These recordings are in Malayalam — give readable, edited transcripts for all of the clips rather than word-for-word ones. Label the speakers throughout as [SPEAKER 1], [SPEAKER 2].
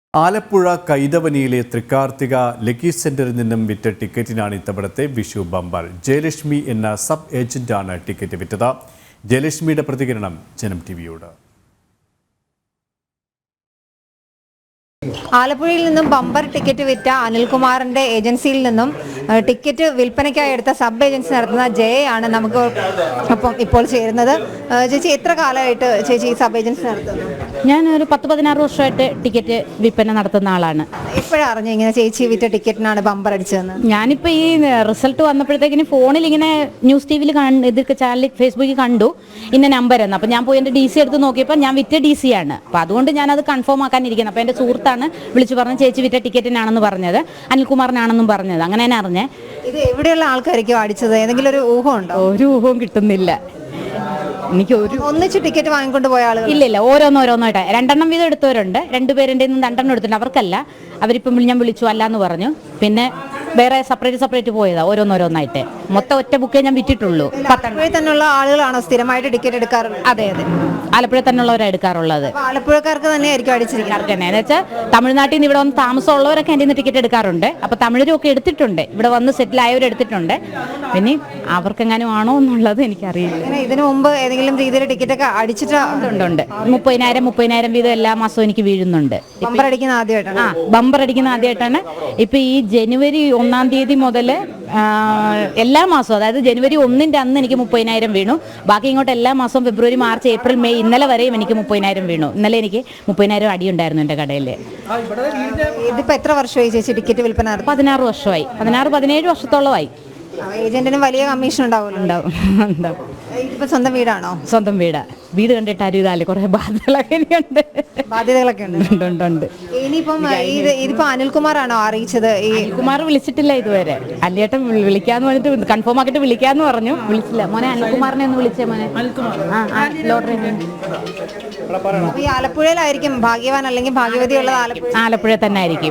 [SPEAKER 1] ആലപ്പുഴ കൈതവനിയിലെ തൃക്കാർത്തിക ലക്കി സെന്ററിൽ നിന്നും വിറ്റ ടിക്കറ്റിനാണ് ഇത്തവണത്തെ വിഷു ബമ്പർ. ജയലക്ഷ്മി എന്ന സബ് ഏജന്റാണ് ടിക്കറ്റ് വിറ്റത്. ജയലക്ഷ്മിയുടെ പ്രതികരണം ജനം ടിവിയോട്.
[SPEAKER 2] ആലപ്പുഴയിൽ നിന്നും ബമ്പർ ടിക്കറ്റ് വിറ്റ അനിൽകുമാറിന്റെ ഏജൻസിയിൽ നിന്നും ടിക്കറ്റ് വിൽപ്പനയ്ക്കായി എടുത്ത സബ് ഏജൻസി നടത്തുന്ന ജയയാണ് നമുക്ക് ഒപ്പം ഇപ്പോൾ ചേരുന്നത്. ചേച്ചി, എത്ര കാലമായിട്ട് ചേച്ചി സബ് ഏജൻസി നടത്തുന്നു?
[SPEAKER 3] ഞാൻ ഒരു 10-16 വർഷമായിട്ട് ടിക്കറ്റ് വിൽപ്പന നടത്തുന്ന ആളാണ്.
[SPEAKER 2] എപ്പോഴാണ് അറിഞ്ഞു ഇങ്ങനെ ചേച്ചി വിറ്റ ടിക്കറ്റിനാണ് ബമ്പർ അടിച്ചതെന്ന്?
[SPEAKER 3] ഞാനിപ്പോൾ ഈ റിസൾട്ട് വന്നപ്പോഴത്തേക്കിന് ഫോണിൽ ഇങ്ങനെ ന്യൂസ് ടി വിയിൽ ഇതൊക്കെ ചാനലിൽ ഫേസ്ബുക്കിൽ കണ്ടു ഇന്ന നമ്പർ എന്ന്. അപ്പോൾ ഞാൻ പോയി എൻ്റെ DC എടുത്ത് നോക്കിയപ്പോൾ ഞാൻ വിറ്റ DC ആണ്. അപ്പോൾ അതുകൊണ്ട് ഞാനത് കൺഫേം ആക്കാനിരിക്കുന്നത്. അപ്പോൾ എൻ്റെ സുഹൃത്താണ് വിളിച്ചു പറഞ്ഞ് ചേച്ചി വിറ്റ ടിക്കറ്റിനാണെന്ന് പറഞ്ഞത്, അനിൽകുമാറിനാണെന്നും പറഞ്ഞത്. അങ്ങനെ ഞാൻ അറിഞ്ഞേ.
[SPEAKER 2] ഇത് എവിടെയുള്ള ആൾക്കാരൊക്കെയോ അടിച്ചത്? ഏതെങ്കിലും ഒരു ഊഹം ഉണ്ടോ?
[SPEAKER 3] ഒരു ഊഹവും കിട്ടുന്നില്ല എനിക്ക്.
[SPEAKER 2] ഒന്നിച്ച് ടിക്കറ്റ് വാങ്ങിക്കൊണ്ട് പോയ ആളുകൾ
[SPEAKER 3] ഇല്ല, ഓരോന്നോരോന്നായിട്ട് 2 വീതം എടുത്തവരുണ്ട്. 2 പേരുടെ 2 എടുത്തിട്ടുണ്ട്. അവർക്കല്ല, അവരിപ്പം ഞാൻ വിളിച്ചു അല്ല എന്ന് പറഞ്ഞു. പിന്നെ വേറെ സെപ്പറേറ്റ് പോയതാ ഓരോന്നോരോന്നായിട്ട്. മൊത്തം ഒറ്റ ബുക്കേ ഞാൻ വിറ്റിട്ടുള്ളൂ.
[SPEAKER 2] ആലപ്പുഴയിൽ തന്നെയുള്ള ആളുകളാണോ സ്ഥിരമായിട്ട് ടിക്കറ്റ് എടുക്കാറുള്ളത്?
[SPEAKER 3] അതെ, ആലപ്പുഴ തന്നെയുള്ളവരാണ് എടുക്കാറുള്ളത്.
[SPEAKER 2] ആലപ്പുഴക്കാർക്ക് തന്നെ ആയിരിക്കും അടിച്ചിരിക്കുന്നത്.
[SPEAKER 3] എന്ന് വെച്ചാൽ തമിഴ്നാട്ടിൽ നിന്ന് ഇവിടെ വന്ന് താമസമുള്ളവരൊക്കെ എൻ്റെ നിന്ന് ടിക്കറ്റ് എടുക്കാറുണ്ട്. അപ്പോൾ തമിഴരൊക്കെ എടുത്തിട്ടുണ്ട്, ഇവിടെ വന്ന് സെറ്റിൽ ആയവർ എടുത്തിട്ടുണ്ട്. പിന്നെ അവർക്കെങ്ങാനും ആണോ എന്നുള്ളത് എനിക്കറിയില്ല.
[SPEAKER 2] ഇതിനു മുമ്പ് ഏതെങ്കിലും രീതിയിൽ ടിക്കറ്റ് ഒക്കെ
[SPEAKER 3] അടിച്ചിട്ടുണ്ട്. 30,000 വീതം എല്ലാ മാസവും എനിക്ക് വീഴുന്നുണ്ട്.
[SPEAKER 2] ബമ്പർ അടിക്കുന്ന ആദ്യമായിട്ടാണ്.
[SPEAKER 3] ബമ്പർ അടിക്കുന്ന ആദ്യമായിട്ടാണ്. ഇപ്പം ഈ ജനുവരി 1 തീയതി മുതൽ എല്ലാ മാസവും, അതായത് ജനുവരി 1 അന്ന് എനിക്ക് 30,000 വീണു. ബാക്കി ഇങ്ങോട്ട് എല്ലാ മാസവും ഫെബ്രുവരി, മാർച്ച്, ഏപ്രിൽ, മെയ് ഇന്നലെ വരെയും എനിക്ക് 30,000 വീണു. ഇന്നലെ എനിക്ക് 30,000 അടിയുണ്ടായിരുന്നു എൻ്റെ കടയിൽ.
[SPEAKER 2] ഇതിപ്പോൾ എത്ര വർഷമായി ചേച്ചി ടിക്കറ്റ് വിൽപ്പന?
[SPEAKER 3] 16 വർഷമായി. 16-17 വർഷത്തോളമായി.
[SPEAKER 2] ഏജന്റിന് വലിയ കമ്മീഷൻ ഉണ്ടാവുമല്ലോ?
[SPEAKER 3] ഉണ്ടാവും.
[SPEAKER 2] ഇതിപ്പോൾ സ്വന്തം വീടാണോ?
[SPEAKER 3] സ്വന്തം വീട് കണ്ടിട്ട് അറിയില്ല. കുറെ
[SPEAKER 2] ബാധ്യതകളൊക്കെ ഉണ്ട്. ഇനിയിപ്പം ഇതിപ്പോ അനിൽകുമാറാണോ അറിയിച്ചത്?
[SPEAKER 3] അനിൽകുമാർ വിളിച്ചിട്ടില്ല ഇതുവരെ. അല്ലേട്ടൻ വിളിക്കാന്ന് പറഞ്ഞിട്ട് കൺഫേം ആക്കിയിട്ട് വിളിക്കാന്ന് പറഞ്ഞു. വിളിച്ചില്ല. മോനെ അനിൽകുമാറിനെ ഒന്ന് വിളിച്ചേ മോനെ. ലോട്ടറി.
[SPEAKER 2] ഈ ആലപ്പുഴയിലായിരിക്കും ഭാഗ്യവാൻ അല്ലെങ്കിൽ ഭാഗ്യവതി ഉള്ളത്?
[SPEAKER 3] ആലപ്പുഴ തന്നെ ആയിരിക്കും.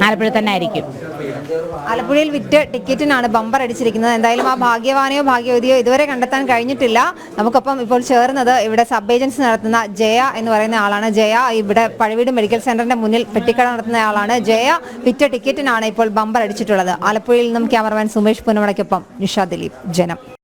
[SPEAKER 2] ആലപ്പുഴയിൽ വിറ്റ് ടിക്കറ്റിനാണ് ബമ്പർ അടിച്ചിരിക്കുന്നത്. എന്തായാലും ആ ഭാഗ്യവാനെയോ ഭാഗ്യവതിയോ ഇതുവരെ കണ്ടെത്താൻ കഴിഞ്ഞിട്ടില്ല. നമുക്കൊപ്പം ഇപ്പോൾ ചേർന്നത് ഇവിടെ സബ് ഏജൻസി നടത്തുന്ന ജയ എന്ന് പറയുന്ന ആളാണ്. ജയ ഇവിടെ പഴവീട് മെഡിക്കൽ സെന്ററിന്റെ മുന്നിൽ പെട്ടിക്കട നടത്തുന്ന ആളാണ്. ജയ വിറ്റ ടിക്കറ്റിനാണ് ഇപ്പോൾ ബമ്പർ അടിച്ചിട്ടുള്ളത്. ആലപ്പുഴയിൽ നിന്നും ക്യാമറമാൻ സുമേഷ് പുന്നമടയ്ക്കൊപ്പം നിഷ ദിലീപ്, ജനം.